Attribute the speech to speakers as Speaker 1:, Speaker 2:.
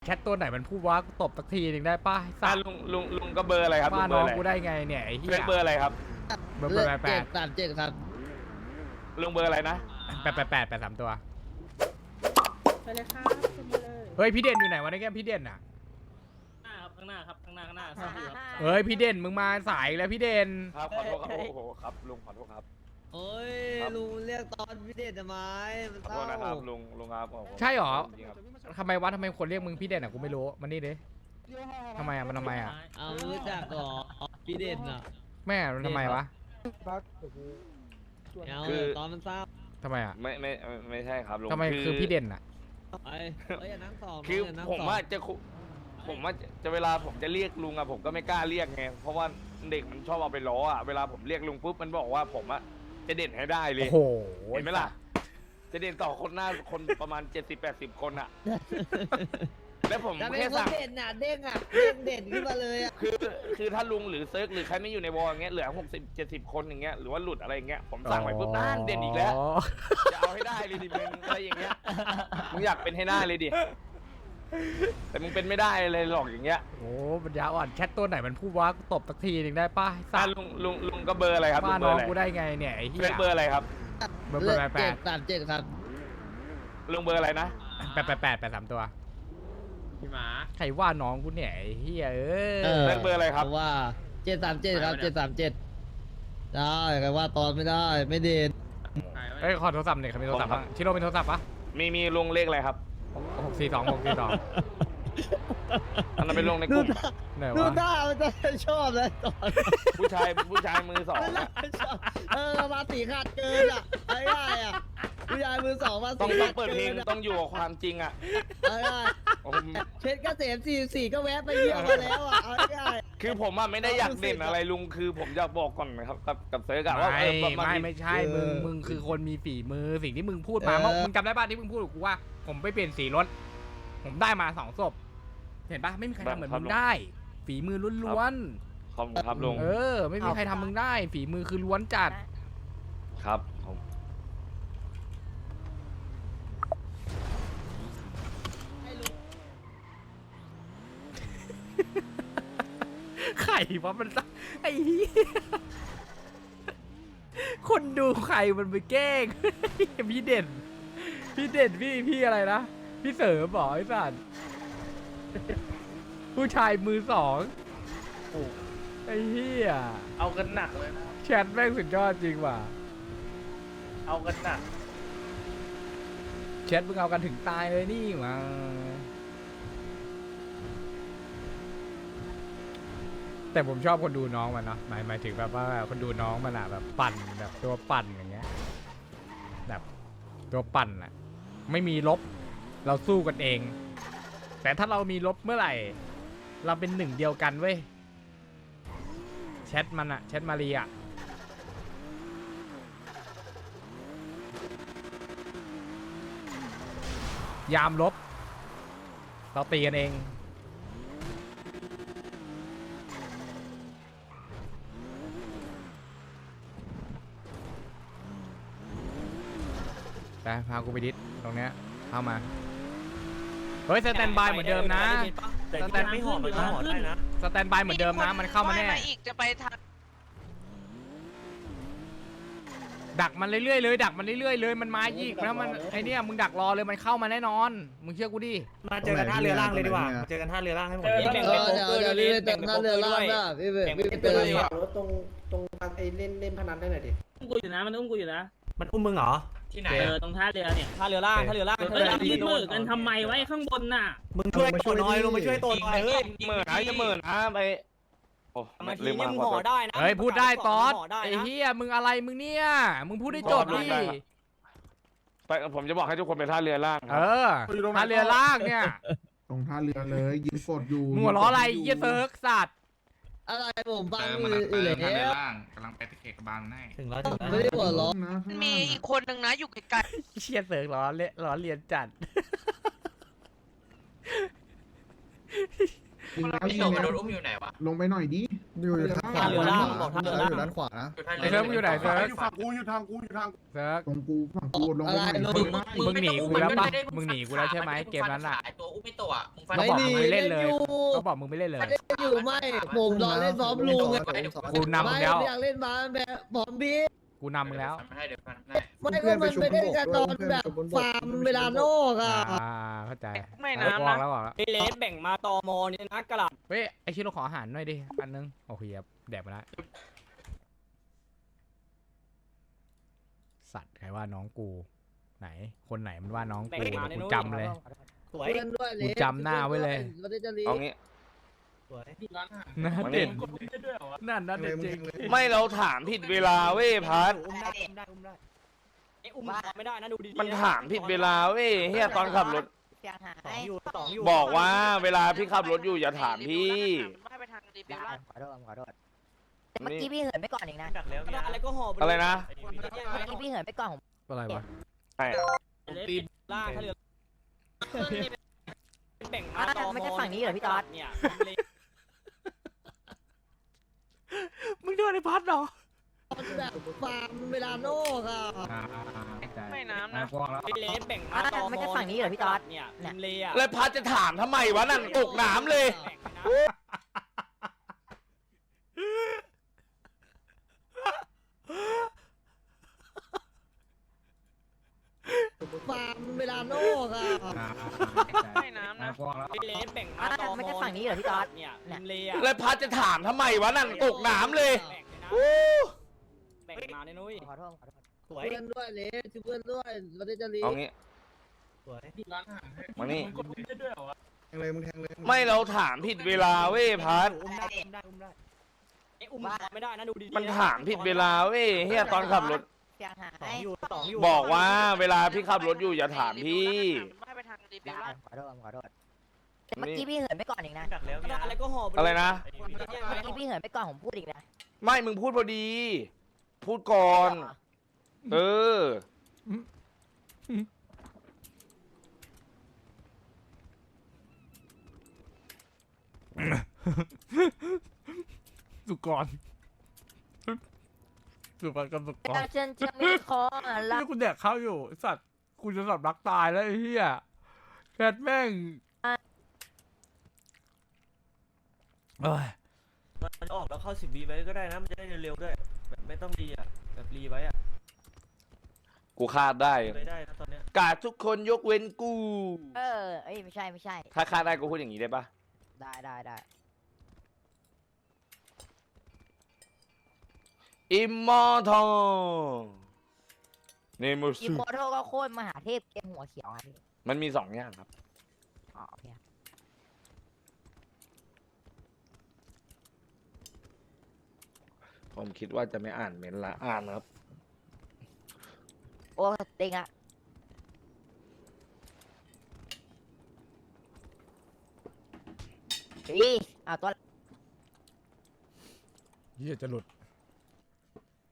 Speaker 1: แชทตัวไหนมันพูดว่ากูตบสักทีหนึ่งได้ป่ะ
Speaker 2: ลุงก็เบอร์อะไรครับลุ
Speaker 1: ว่าง
Speaker 2: เบ
Speaker 1: น้
Speaker 2: อ
Speaker 1: อ
Speaker 2: ร์
Speaker 1: ง
Speaker 2: อะไร
Speaker 1: กูได้ไงเนี่ยไอ้เหี้ย
Speaker 2: เบอร์อะไรครับ
Speaker 1: เบอร์
Speaker 3: 737ครับ
Speaker 2: ลุงเบอร์อะไรนะ
Speaker 1: แปดสามตัว
Speaker 4: ไปเลยครับขึ้นมาเลย
Speaker 1: เฮ้ยพี่เด่นอยู่ไหนวะในแก้มพี่เด่นอ่ะ
Speaker 4: ข้างหน้าครับข้างหน้าซ้ายครับ
Speaker 1: เฮ้ยพี่เด่นมึงมาสายแล้วพี่เด่น
Speaker 2: ครับขอโทษครับโอ้โหครับลุงขอโทษครับ
Speaker 3: โอ้ย
Speaker 2: ครับ
Speaker 3: ลุงเรียกตอนพิเศษทำไมมัน
Speaker 2: ขอ
Speaker 3: เศ
Speaker 2: โท
Speaker 3: ร้า
Speaker 2: ษนะครับลุงครับโอ้โ
Speaker 1: ใช่หรอ
Speaker 2: จงๆครับ
Speaker 1: ทำไมคนเรียกมึงพี่เด่นอ่ะกูไม่รู้มันนี่ดิทำไมอ่ะมันทำไมอ่ะ
Speaker 3: เอารู้จักเหรอพิเศษน่ะ
Speaker 1: แม่มันทำไมวะ
Speaker 3: เอา
Speaker 2: คือ
Speaker 3: ตอนมันเศร้า
Speaker 1: ทำไมอ่ะ
Speaker 2: ไม่ใช่ครับลุง
Speaker 1: ทำไมคือพี่เด่นอ่ะ
Speaker 3: ไอ้เอ้ยอย่านั่งสอง
Speaker 2: คือ
Speaker 3: อย่านั่ง
Speaker 2: ผม
Speaker 3: สอง
Speaker 2: ว่าจะเวลาผมจะเรียกลุงอะผมก็ไม่กล้าเรียกไงเพราะว่าเด็กมันชอบเอาไปล้ออะเวลาผมเรียกลุงปุ๊บมันบอกว่าผมอะจะเด่นให้ได้เลย
Speaker 1: โอ้โห
Speaker 2: เห็นไหมล่ะ จะเด่นต่อคนหน้าคนประมาณ 70-80 คนอะแล้วผม
Speaker 3: แต่เป็น
Speaker 2: แค่
Speaker 3: คน
Speaker 2: สั่ง
Speaker 3: เด่นน่ะเด้งอ่ะเด้งเด่นขึ้นมาเลยอ่ะ
Speaker 2: คือถ้าลุงหรือเซิร์กหรือใครไม่อยู่ในวอลอย่างเงี้ยเหลือ60-70 คนอย่างเงี้ยหรือว่าหลุดอะไรอย่างเงี้ยผมสั่งไปปุ๊บนั่นเด่นอีกแล้วจะเอาให้ได้เลยดิมึงอะไรอย่างเงี้ยมึงอยากเป็นให้ได้เลยดิแต่มึงเป็นไม่ได้เลยหรอกอย่างเงี้ย
Speaker 1: โอ้ปัญญาอ่อนแชทตัวไหนมันพูดว่ากูตบสักทีหนึ่งได้ป่ะ
Speaker 2: ลุงก็เบอร์อะไรครับลุ
Speaker 1: ว่าง
Speaker 2: เบอ
Speaker 1: น้อ
Speaker 2: ร์
Speaker 1: ง
Speaker 2: อะไร
Speaker 1: กูได้ไงเนี่ยไอ้เหี้ย
Speaker 2: เบอร์อะไรครับ
Speaker 1: เบอร์
Speaker 3: 737ครับ
Speaker 2: ลุงเบอร์อะไรนะ
Speaker 1: แปดสามตัว
Speaker 4: พี่หมา
Speaker 1: ใครว่าน้องกูเนี่ยไอ้เหี้ย
Speaker 2: เบอร์อะไรครับ
Speaker 3: เพราะว่า737ครับ737ได้ใครว่าตอนไม่ได้ไม่เด่น
Speaker 1: เอ้ยขอโทรศัพท์หน่อยครับมีโทรศัพท์บ้างชิโร่มีโทรศัพท์ปะ
Speaker 2: มีลุงเลขอะไรครับ
Speaker 1: 642
Speaker 2: อันนั้นเป็นลุงในก
Speaker 3: ดู
Speaker 2: ลุ่ม
Speaker 3: ท่า
Speaker 1: ไหน
Speaker 3: ดู
Speaker 1: วะ
Speaker 3: ท่ามันจะชอบเลยตอน
Speaker 2: ผู้ชายมือสอง
Speaker 3: มัน
Speaker 2: อะ
Speaker 3: น่าชอบมาสีขาดเกินอ่ะไอ้ได้อ่ะผู้ชายมือสองมา
Speaker 2: ต้
Speaker 3: สี
Speaker 2: อง
Speaker 3: ขาด
Speaker 2: เปิดเพลง
Speaker 3: กินอะ
Speaker 2: ต้องอยู่กับความจริงอะ
Speaker 3: ไอ้ได้
Speaker 2: โอ้โห
Speaker 3: เพชรเกษม44ก็แวะไปเยี่ยมมาแล้วอ่ะเอาได้
Speaker 2: คือผมอะไม่ได้อยากเด่นอะไรลุงคือผมอยากบอกก่อนนะครับกับเซิร์กอะว่า
Speaker 1: ไม่ใช่มึงคือคนมีฝีมือสิ่งที่มึงพูดมามึงจำได้ป่ะที่มึงพูดกับกูว่า ผมไปเปลี่ยนสีรถผมได้มา2 ศพเห็นป่ะไม่มีใครทำเหมือนมึงได้ ฝีมือล้วน
Speaker 2: ขอบคุณครับลุง
Speaker 1: ๆไม่มีใครทำมึงได้ ฝีมือคือล้วนจัด
Speaker 2: ครับผม
Speaker 1: ไข่วะมันไอ้เหี้ยคนดูไข่มันไปแกล้ง พี่เด่นพี่อะไรนะพี่เสริมบอกไอ้สัตว์ผู้ชายมือสองไอ้เหี้ย
Speaker 5: เอากันหนักเลยนะ
Speaker 1: แชทแม่งสุดยอดจริงว่ะ
Speaker 5: เอากันหนัก
Speaker 1: แชทมึงเอากันถึงตายเลยนี่มาแต่ผมชอบคนดูน้องมันเนาะหมายถึงแบบว่าคนดูน้องมันอะแบบปั่นแบบตัวปั่นอย่างเงี้ยแบบตัวปั่นอะไม่มีลบเราสู้กันเอง แต่ถ้าเรามีลบเมื่อไหร่ เราเป็นหนึ่งเดียวกันเว้ยแชทมันอะแชทมารีอะยามลบเราตีกันเองไปพากูไปดิสตรงเนี้ยเข้ามาเฮ้ยสแตนบายเหมือนเดิมนะ
Speaker 5: แต่ที่มันไม่หอมมันก็หอมได้นะ
Speaker 1: สแตนบายเหมือนเดิมนะมันเข้ามาแน่
Speaker 6: ว่ยอีกจะไปทาง
Speaker 1: ดักมันเรื่อยๆเลยดักมันเรื่อยๆเลยมันมาอีกแล้วมันไอเนี้ยมึงดักรอเลยมันเข้ามาแน่นอนมึงเชื่อกูดิ
Speaker 5: มาเจอกันท่าเรือล่างเลยดีกว่าเจอกันท่าเรือล่างให้หมด
Speaker 3: เดี๋ยวพี่ไปเติมท่าเรือล่างนะพี่ไปเติม
Speaker 4: รถตรงไอ้เล่นพนันได้หน่อยดิ
Speaker 7: อุ้มกูอยู่นะมันอุ้มกูอยู่นะ
Speaker 5: มันอุ้มมึงเหรอ
Speaker 7: ที่ไหนตรงท่าเรือเนี่ย
Speaker 5: ท่าเรือล่างท่าเรือล่าง
Speaker 7: เฮ้ยยืนมือกันทำไมไว้ข้างบนน่ะ
Speaker 5: มึงช่วยตัวน้อยลงมาช่วยตัวน้อยเฮ้ย
Speaker 2: เหมื่อนะจะเหมื่อนะไปโอ้
Speaker 5: มาที
Speaker 2: ลืม
Speaker 5: นี่
Speaker 2: มา
Speaker 5: มึง
Speaker 2: ขอ
Speaker 5: ห่อ
Speaker 2: โทษ
Speaker 5: ได้นะ
Speaker 1: เฮ้ยพูดได้ตอด
Speaker 5: ห่ได้
Speaker 1: ไอ้
Speaker 5: นะ
Speaker 1: เฮียมึงอะไรมึงเนี่ยมึงพูดได้จบดิ
Speaker 2: ไปผมจะบอกให้ทุกคนไปท่าเรือล่างค
Speaker 1: เอ
Speaker 2: รับ
Speaker 1: อท่าเรือล่างเนี่ย
Speaker 8: ตรงท่าเรือเลยยืนกดอยู่
Speaker 1: มึงหัวล้ออะไรเยี่ยเซิร์กสัตว์
Speaker 3: อะไรผมฟัง
Speaker 9: มัน
Speaker 3: อยู่เลย
Speaker 9: ทางเรือล่างกำลังไปตะเข็กบางให้
Speaker 5: ถึงแล้วถึง
Speaker 3: ไม่
Speaker 5: แล้ว
Speaker 3: ได้หัวล้อ
Speaker 8: นะ
Speaker 6: มันมีอีกคนนึงนะอยู่ไกล
Speaker 1: เชี่ยเซิร์กล้อเลียนจัด
Speaker 8: ยิงแล้ว
Speaker 9: พี่
Speaker 8: ยิ
Speaker 9: โต
Speaker 8: ง
Speaker 9: มัน
Speaker 8: แล้
Speaker 9: โด
Speaker 8: วน
Speaker 9: อุ้มอยู่ไหนวะ
Speaker 8: ลงไปหน่อยดิอยู่ทางขวา
Speaker 5: ท่าเรือล่างบอกท่าเรือล่าง
Speaker 8: อยู่ด้านขวานะ
Speaker 1: ไอ้เซิร์ฟมึงอยู่ไหนเซิร์ฟ
Speaker 8: อยู่ฝั่งกูอยู่ทางกูอยู่ทาง
Speaker 1: เซิร์ฟ
Speaker 8: ตรงกูฝั่งกูลง
Speaker 3: อะไร
Speaker 8: ไปหน่อย
Speaker 1: มึงหนีกูแล้วปะมึงหนีกูแล้วใช่ไหมเกมนั้นอ่ะ
Speaker 6: ตัวอุ้มไม่ตัวมึงฟัน
Speaker 1: เขาบอกมึงไม่เล่นเลย
Speaker 3: ไม่หนี
Speaker 1: เขาบอกมึงไม่เล่นเลย
Speaker 3: ไม่ได้อยู่ไม่ผมรอเล่นพร้อมลุงไง
Speaker 1: กูนำมึงแล้ว
Speaker 3: ไม่อยากเล่นมาแบบพร้อมพี่
Speaker 1: กูนำมึงแล้ว
Speaker 6: ให้เดี๋ยวฟันให้
Speaker 3: ไม่ก็มันไม่ได้กันตอนแบบฟาร์มเวลาโนกอ่ะ
Speaker 1: เข้าใจ
Speaker 6: ไม่น้ำนะ
Speaker 1: แล้วบอกแล้ว
Speaker 5: ไอเลสแบ่งมาตอมอเนี่ยนะกระหล่
Speaker 1: เฮ้ยไอชิโร่ขออาหารหน่อยดิอันนึงโอเคครับแดกมาแล้วสัตว์ใครว่าน้องกูไหนคนไหนมันว่าน้องกูกูจำเลย
Speaker 5: ำสวย
Speaker 3: เพื่อนด้วยเลย
Speaker 1: กูจำหน้าไว้เลย
Speaker 3: เราได้จะรี
Speaker 2: เอางี้
Speaker 5: สวย
Speaker 1: หน่าเด่นนั่นน่าเด่นจริง
Speaker 2: ไม่เราถามผิดเวลาเว้ยพัด
Speaker 5: อุ้มได้ไอ้อุ้มไม่ได้นะดูดีๆ
Speaker 2: มันถามผิดเวลาเว้ยเฮียตอนขับรถ
Speaker 5: สองอยู่สองอยู่
Speaker 2: บอกว่าเวลาพี่ขับรถอยู่อย่าถามพี่
Speaker 6: ไม่ไปทางรีวิวละ
Speaker 10: ขอโทษแต่เมื่อกี้พี่เหินไปก่อนอีกนะ
Speaker 5: ดักแล้วอะไรก็ห่อ
Speaker 2: อะไรนะ
Speaker 10: เมื่อกี้พี่เหินไปก่อนผม
Speaker 1: อะไรวะ
Speaker 2: ใช่
Speaker 5: ตีนล่างท่าเรือแบ่งมาตอมอ
Speaker 10: ไม่ใช่ฝั่งนี้เหรอพี่ต๊อด
Speaker 5: เนี่ย
Speaker 1: มึงโดนไอ้พัดเหรอ
Speaker 3: แบบฟาร์มเวลาโนกอ่ะ
Speaker 6: ไม่น้ำนะ
Speaker 5: ไอเลสแบ่งมาตอมอ
Speaker 10: ไม่ใช่ฝั่งนี้เหรอพี่ต๊อด
Speaker 5: เนี่ยริมเลอะ
Speaker 2: แล้วพัดจะถามทำไมวะนั่นตกน้ำเลย
Speaker 5: แบ่งไปนะ
Speaker 3: ฟาร์มเวลาโนกอ่ะ
Speaker 6: ไม่น้ำนะ
Speaker 5: ไอเลสแบ่งมาตอมอ
Speaker 10: ไม่ใช่ฝั่งนี้เหรอพี่ต๊อด
Speaker 5: เนี่ยริมเลอะ
Speaker 2: แล้วพัดจะถามทำไมวะนั่นตกน้ำเลย
Speaker 5: แบ่งไปนะ
Speaker 2: โอ้
Speaker 5: แบ่งมาเนี่ยนุ้ย
Speaker 10: ขอโทษ
Speaker 5: สวย
Speaker 3: เพื่อนด้วยเลยเพื่อนด้วยเราได้จะรี
Speaker 2: เอางี้
Speaker 5: สวย
Speaker 2: มานี่
Speaker 8: แทงเลยมึงแทงเลย
Speaker 2: ไม่เราถามผิดเวลาเว้ยพัด
Speaker 5: อุ้มได้ไอ้อุ้มไม่ได้นะดูดีๆ
Speaker 2: มันถามผิดเวลาเว้ยเฮียตอนขับรถ
Speaker 10: เสียงหาย
Speaker 5: สองอยู่สองอยู่
Speaker 2: บอกว่าเวลาพี่ขับรถอยู่อย่าถามพี่
Speaker 6: ไม่ไปทางรีวิวละ
Speaker 10: ขอโทษแต่เมื่อกี้พี่เหินไปก่อนอีกนะ
Speaker 5: ดักแล้วอะไรก็ห่อ
Speaker 2: อะไรนะ
Speaker 10: เมื่อกี้พี่เหินไปก่อนผมพูดอีกนะ
Speaker 2: ไม่มึงพูดพอดี พูดก่อน เออ
Speaker 1: สุกรสุกรกับสุกร
Speaker 10: แล้วฉันจะมีขอรั
Speaker 1: นี่
Speaker 10: ก
Speaker 1: กูแดกข้าวอยู่ไอ้สัตว์กูจะสับรักตายแล้วไอ้เหี้ยแคทแม่งเอ้ย
Speaker 5: มันออกแล้วเข้า10 วิไว้ก็ได้นะมันจะได้เร็วๆด้วยแบบไม่ต้องรีอ่ะแบบรีไว้อ่ะ
Speaker 2: กูคาดได้
Speaker 5: ได้นะตอนเนี้ย
Speaker 2: กาดทุกคนยกเว้นกู
Speaker 10: เออเอ้ยไม่ใช่
Speaker 2: ถ้าคาดได้กูพูดอย่างนี้ได้ปะ
Speaker 10: ได้
Speaker 2: อิมมอร์ทัลเนมู
Speaker 10: อี
Speaker 2: สึ
Speaker 10: โมโทก็โคตรมหาเทพเกมหัวเขียวอ่ะพี่
Speaker 2: มันมี2 อย่างครับ
Speaker 10: อ๋อโอเค
Speaker 2: ผมคิดว่าจะไม่อ่านเมนต์ละอ่านครับ
Speaker 10: โอ้เต็งอ่ะอีเอาตัว
Speaker 1: เหี้ยจะหลุด